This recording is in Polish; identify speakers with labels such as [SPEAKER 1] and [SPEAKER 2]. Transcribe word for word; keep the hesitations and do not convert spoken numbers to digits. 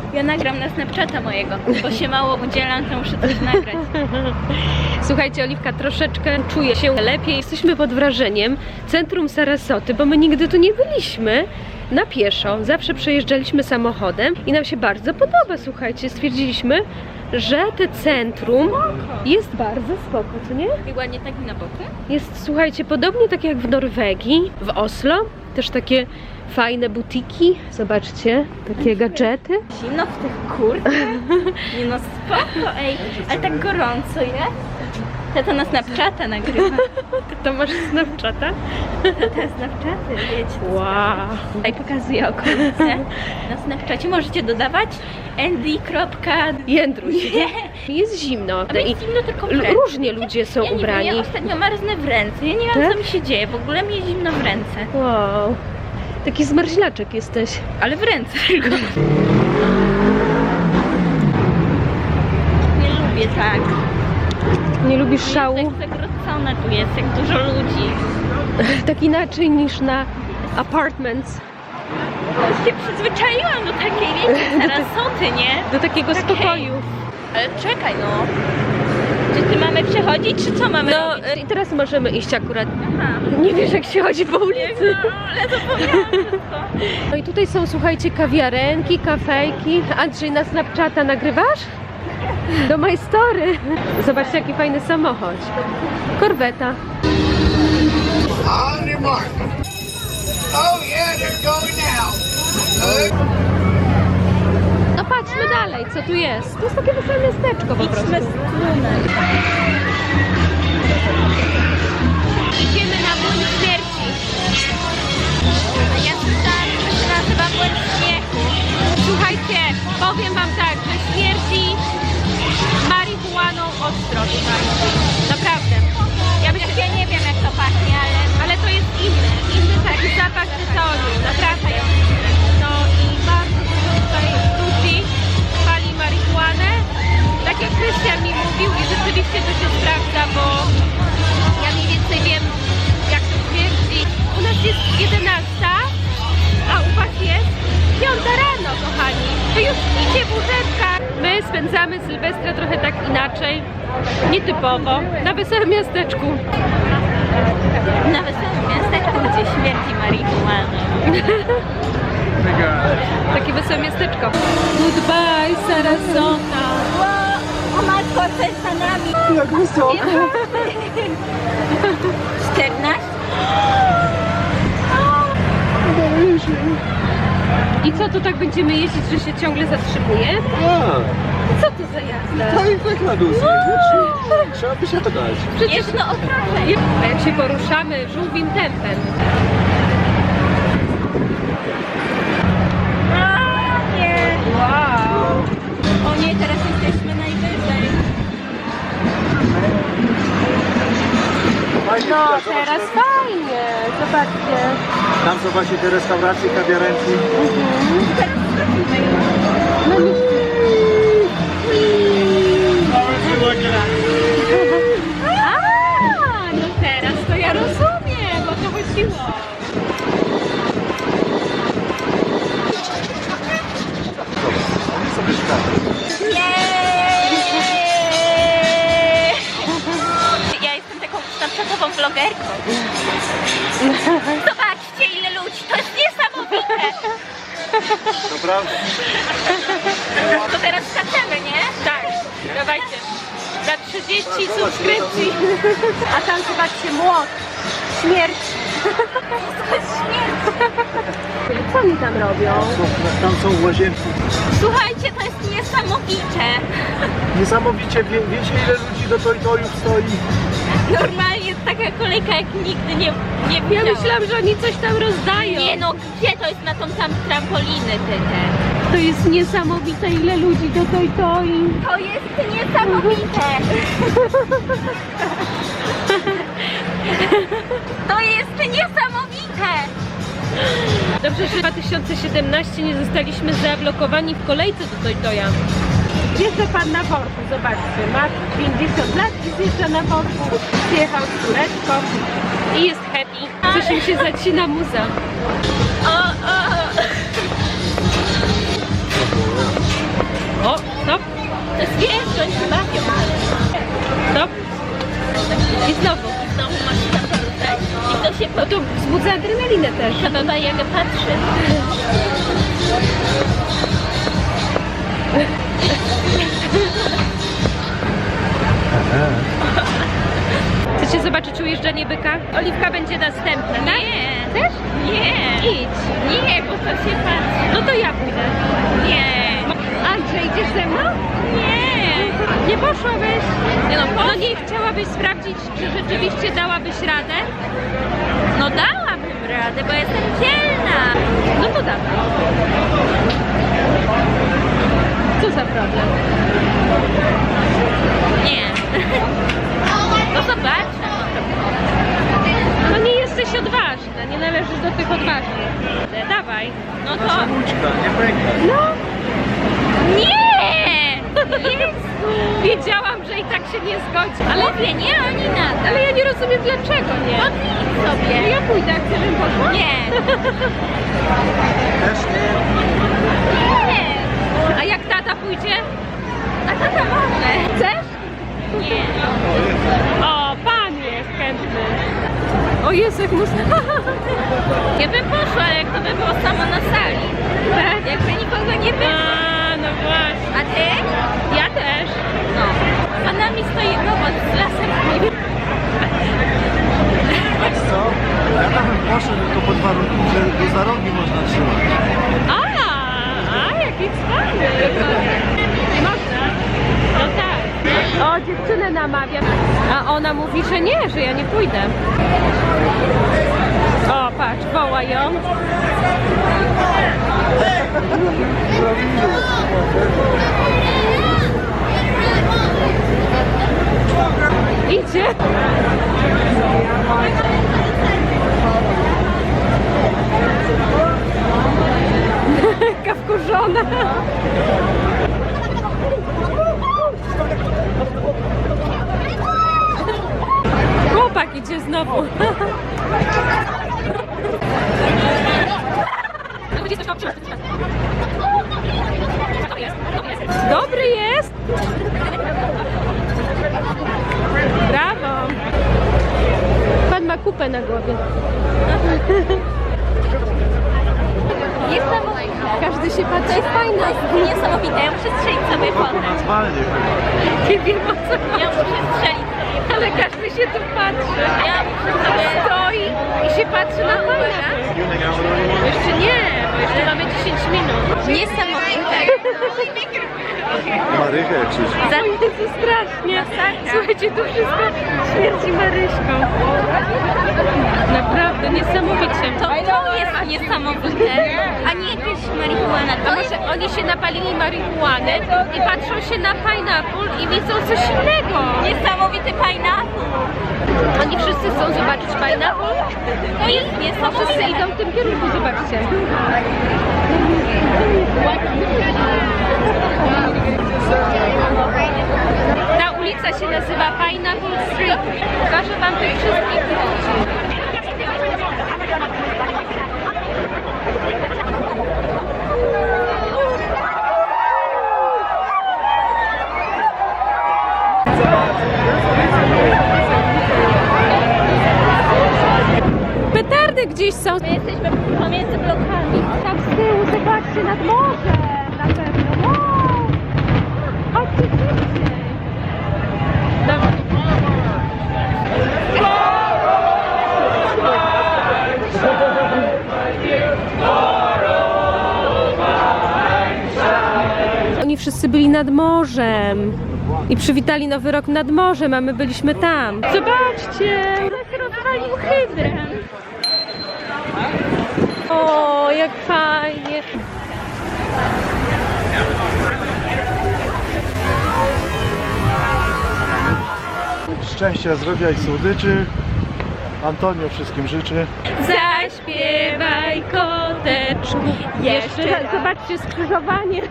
[SPEAKER 1] Ja nagram na Snapchata mojego, bo się mało udzielam, to muszę coś nagrać.
[SPEAKER 2] Słuchajcie, Oliwka, troszeczkę czuje się lepiej. Jesteśmy pod wrażeniem centrum Sarasoty, bo my nigdy tu nie byliśmy na pieszo. Zawsze przejeżdżaliśmy samochodem i nam się bardzo podoba, słuchajcie. Stwierdziliśmy, że te centrum jest bardzo spoko, co nie?
[SPEAKER 1] I ładnie tak na boku.
[SPEAKER 2] Jest, słuchajcie, podobnie tak jak w Norwegii, w Oslo. Też takie fajne butiki. Zobaczcie, takie gadżety.
[SPEAKER 1] Zimno w tych kurtkach. Nie no, spoko, ej. Ale tak gorąco jest. Ja to na Snapchata nagrywam.
[SPEAKER 2] Ty to masz Snapchata?
[SPEAKER 1] To te Snapchaty, wiecie.
[SPEAKER 2] Wow.
[SPEAKER 1] Tutaj pokazuję okolice. Na Snapchacie możecie dodawać Andy.
[SPEAKER 2] Jędruś. Jest zimno.
[SPEAKER 1] Ale jest zimno tylko w ręce.
[SPEAKER 2] Różnie ludzie są
[SPEAKER 1] Ja nie
[SPEAKER 2] ubrani.
[SPEAKER 1] wiem, ja ostatnio marznę w ręce. Ja nie wiem,
[SPEAKER 2] Tak?
[SPEAKER 1] co mi się dzieje. W ogóle mi jest zimno w ręce.
[SPEAKER 2] Wow. Taki zmarzlaczek jesteś.
[SPEAKER 1] Ale w ręce tylko. Nie lubię tak.
[SPEAKER 2] Nie lubisz szału?
[SPEAKER 1] Jak zagrodzona tu jest, jak dużo ludzi.
[SPEAKER 2] Tak inaczej niż na apartments.
[SPEAKER 1] Już się przyzwyczaiłam do takiej, wiecie, Sarasoty, nie?
[SPEAKER 2] Do takiego
[SPEAKER 1] Takiej.
[SPEAKER 2] spokoju.
[SPEAKER 1] Ale czekaj, no. Czy ty mamy przechodzić, czy co mamy
[SPEAKER 2] No
[SPEAKER 1] robić?
[SPEAKER 2] i teraz możemy iść akurat.
[SPEAKER 1] Aha.
[SPEAKER 2] Nie wiesz, jak się chodzi po ulicy.
[SPEAKER 1] No, ale zapomniałam wszystko.
[SPEAKER 2] No i tutaj są, słuchajcie, kawiarenki, kafejki. Andrzej, na Snapchata nagrywasz? Do my story. Zobaczcie, jaki fajny samochód. Korweta.
[SPEAKER 3] On your mark. Oh yeah, they're going now. Good.
[SPEAKER 2] No patrzmy dalej, co tu jest. To jest takie wesołe miasteczko po prostu.
[SPEAKER 1] Idźmy z strunem.
[SPEAKER 2] Idziemy na młyn śmierci.
[SPEAKER 1] A ja słyszałam, że to się nazywa błęd śmiechu.
[SPEAKER 2] Słuchajcie, powiem wam tak, że śmierci marihuaną ostro tutaj. Naprawdę. Ja myślę,
[SPEAKER 1] Ja nie wiem, jak to pachnie, ale...
[SPEAKER 2] ale to jest inny, inny taki zapach tytoniu, naprawdę. No i bardzo dużo tutaj ludzi pali marihuanę. Tak jak Krystian mi mówił i rzeczywiście to się sprawdza, bo ja mniej więcej wiem, jak to śmierdzi. U nas jest jedenasta, a u was jest piąta rano, kochani. Wy już śpicie w łóżeczkach. My spędzamy Sylwestra trochę tak inaczej, nietypowo, na wesołym miasteczku.
[SPEAKER 1] Na wesołym miasteczku, gdzie śmierci marihuana.
[SPEAKER 2] Takie wesołe miasteczko. Goodbye, Sarasota.
[SPEAKER 1] O matko, co jest za nami?
[SPEAKER 3] Jak wysoko.
[SPEAKER 1] czternaście?
[SPEAKER 2] I co, to tak będziemy jeździć, że się ciągle zatrzymuje?
[SPEAKER 3] A,
[SPEAKER 2] Co to za jazda?
[SPEAKER 3] to i tak na dół zjeżdżać. Trzeba wysiadać.
[SPEAKER 2] Przecież
[SPEAKER 1] Jedno okrążenie.
[SPEAKER 2] a jak się poruszamy żółwim tempem.
[SPEAKER 1] A, nie.
[SPEAKER 2] Wow.
[SPEAKER 1] O nie, teraz jesteśmy najwyżej.
[SPEAKER 3] Fajnie,
[SPEAKER 2] No,
[SPEAKER 3] zobacz,
[SPEAKER 2] teraz
[SPEAKER 3] tam-
[SPEAKER 2] fajnie. Zobaczcie.
[SPEAKER 3] Tam zobaczcie te restauracje, kawiarenki.
[SPEAKER 2] No nie. A, no teraz to ja rozumiem, o to chodziło.
[SPEAKER 3] Sobie szukamy.
[SPEAKER 1] Jeee! Ja jestem taką snapchatową vlogerką. Zobaczcie, ile ludzi, to jest niesamowite.
[SPEAKER 3] To prawda.
[SPEAKER 1] To teraz skaczemy, nie?
[SPEAKER 2] Tak, dawajcie. Za trzydzieści subskrypcji. A tam zobaczcie, młot. Śmierć.
[SPEAKER 1] To jest śmierć.
[SPEAKER 2] Co oni tam robią?
[SPEAKER 3] Są- Tam są łazienki.
[SPEAKER 1] Słuchajcie, to jest niesamowite.
[SPEAKER 3] Niesamowicie, wie, wiecie ile ludzi do Toy-Toyów stoi?
[SPEAKER 1] Normalnie taka kolejka jak nigdy nie, nie
[SPEAKER 2] Ja
[SPEAKER 1] widziałam.
[SPEAKER 2] myślałam, że oni coś tam rozdają.
[SPEAKER 1] Nie no, gdzie to jest na tą sam trampoliny ty te?
[SPEAKER 2] To jest niesamowite, ile ludzi do Toy Toy.
[SPEAKER 1] To jest niesamowite. To jest niesamowite.
[SPEAKER 2] Dobrze, że w dwa tysiące siedemnastym nie zostaliśmy zablokowani w kolejce do Toy Toya. Zjeżdża pan na worku, zobaczcie, ma pięćdziesiąt lat i zjeżdża na worku. Zjechał z córeczką i jest happy. Coś im się zacina muza.
[SPEAKER 1] O, o.
[SPEAKER 2] O, stop,
[SPEAKER 1] To jest wiesz, oni się bawią.
[SPEAKER 2] stop. I znowu.
[SPEAKER 1] Znowu masz się tam poruszać. I to się
[SPEAKER 2] No to wzbudza adrenalinę też.
[SPEAKER 1] podoba, jak patrzy.
[SPEAKER 2] Chcecie zobaczyć ujeżdżanie byka? Oliwka będzie następna, tak?
[SPEAKER 1] Nie.
[SPEAKER 2] Też?
[SPEAKER 1] Nie.
[SPEAKER 2] Idź.
[SPEAKER 1] Nie, bo to się patrzy.
[SPEAKER 2] No to ja pójdę.
[SPEAKER 1] Nie.
[SPEAKER 2] Andrzej, idziesz ze mną?
[SPEAKER 1] Nie.
[SPEAKER 2] Nie poszłabyś?
[SPEAKER 1] Nie no,
[SPEAKER 2] No nie chciałabyś sprawdzić, czy rzeczywiście dałabyś radę?
[SPEAKER 1] No dałabym radę, bo jestem dzielna.
[SPEAKER 2] No to dawaj. Co za problem?
[SPEAKER 1] Nie. No zobaczę.
[SPEAKER 2] No nie jesteś odważna, nie należysz do tych odważnych. Dawaj.
[SPEAKER 1] No to...
[SPEAKER 3] nie pęka.
[SPEAKER 2] No,
[SPEAKER 1] Nie! Jezu!
[SPEAKER 2] wiedziałam, że i tak się nie zgodzi. Ale,
[SPEAKER 1] Mówię, nie, oni nada.
[SPEAKER 2] ale ja nie rozumiem dlaczego nie.
[SPEAKER 1] No idź sobie.
[SPEAKER 2] Ja pójdę, jak chcesz, żebym poszła?
[SPEAKER 1] Nie.
[SPEAKER 3] Też nie.
[SPEAKER 1] Nie.
[SPEAKER 2] A jak tata pójdzie?
[SPEAKER 1] A to to może.
[SPEAKER 2] Chcesz?
[SPEAKER 1] Nie.
[SPEAKER 2] O, pan jest chętny. O Jezu, jak muszę...
[SPEAKER 1] Ja bym poszła, ale jak to by było samo na sali.
[SPEAKER 2] Tak?
[SPEAKER 1] Jakby nikogo nie było.
[SPEAKER 2] A, no właśnie.
[SPEAKER 1] A ty?
[SPEAKER 2] Ja też.
[SPEAKER 1] No. Za nami stoi robot z lasem.
[SPEAKER 3] Wiesz co? Ja tam bym poszedł tylko pod warunkiem, że go za rogi można trzymać.
[SPEAKER 2] A, a jaki cwany. Nie można? No tak. O, dziewczynę namawiam. A ona mówi, że nie, że ja nie pójdę. O, patrz, woła ją. Idzie. Jaka wkurzona. Chłopak idzie znowu. Dobry jest. Brawo. Pan ma kupę na głowie.
[SPEAKER 1] Niesamowite.
[SPEAKER 2] Każdy się patrzy.
[SPEAKER 1] To jest fajne. Niesamowite. Ja muszę strzelić sobie fotę.
[SPEAKER 3] Normalnie chyba.
[SPEAKER 2] Nie wiem o co chodzi.
[SPEAKER 1] Ja muszę strzelić sobie.
[SPEAKER 2] Ale każdy się tu patrzy.
[SPEAKER 1] Ja muszę sobie...
[SPEAKER 2] Stoi i się patrzy na pana. Jeszcze nie, bo jeszcze mamy dziesięć minut.
[SPEAKER 1] Niesamowite.
[SPEAKER 3] Marychę krzyż.
[SPEAKER 2] Za Jezu, strasznie. Słuchajcie, tu wszystko śmierci Maryśką. Naprawdę, niesamowicie.
[SPEAKER 1] To, to jest niesamowite. A nie jakaś marihuana.
[SPEAKER 2] A
[SPEAKER 1] To
[SPEAKER 2] może
[SPEAKER 1] jest...
[SPEAKER 2] oni się napalili marihuany i patrzą się na pineapple i widzą coś innego.
[SPEAKER 1] Niesamowity pineapple.
[SPEAKER 2] Oni wszyscy chcą zobaczyć pineapple
[SPEAKER 1] To jest
[SPEAKER 2] i wszyscy
[SPEAKER 1] niesamowite.
[SPEAKER 2] idą w tym kierunku, zobaczcie. Ta ulica się nazywa Pineapple Street. Pokażę wam tych wszystkich ludzi. Petardy gdzieś są.
[SPEAKER 1] My jesteśmy pomiędzy blokami.
[SPEAKER 2] Tam z tyłu, zobaczcie, nad morzem na pewno. Wow! Chodźcie szybciej. Dobra. Oni wszyscy byli nad morzem i przywitali nowy rok nad morzem, a my byliśmy tam. Zobaczcie!
[SPEAKER 1] Rozwalił hydrę.
[SPEAKER 2] O, jak fajnie!
[SPEAKER 3] Szczęścia, zdrowia i słodyczy. Antonio wszystkim życzy.
[SPEAKER 2] Zaśpiewaj, koteczku. Jeszcze raz, zobaczcie skrzyżowanie.